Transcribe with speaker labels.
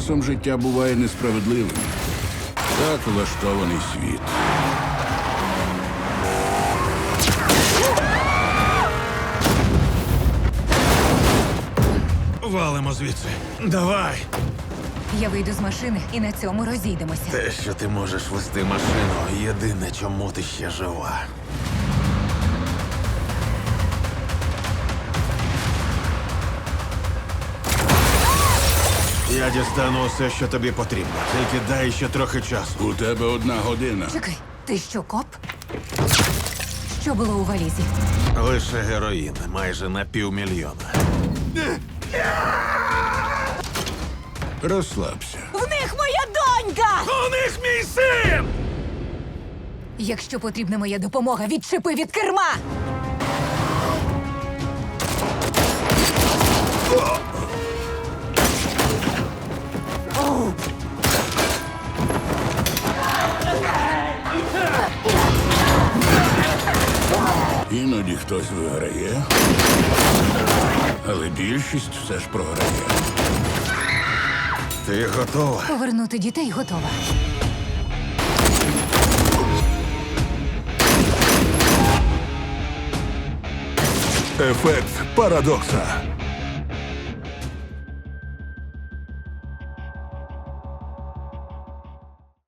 Speaker 1: Часом життя буває несправедливим. Так влаштований світ.
Speaker 2: Валимо звідси. Давай!
Speaker 3: Я вийду з машини і на цьому розійдемося.
Speaker 2: Те, що ти можеш вести машину, єдине, чому ти ще жива. Я дістану усе, що тобі потрібно. Тільки дай ще трохи часу.
Speaker 1: У тебе 1 година.
Speaker 3: Чекай, ти що, коп? Що було у валізі?
Speaker 2: Лише героїн, майже на 500 000.
Speaker 1: Розслабся.
Speaker 3: В них моя донька!
Speaker 2: У них мій син!
Speaker 3: Якщо потрібна моя допомога, відчепи від керма!
Speaker 1: Іноді хтось виграє, але більшість все ж програє.
Speaker 2: Ти готова?
Speaker 3: Повернути дітей готова.
Speaker 1: Ефект парадокса.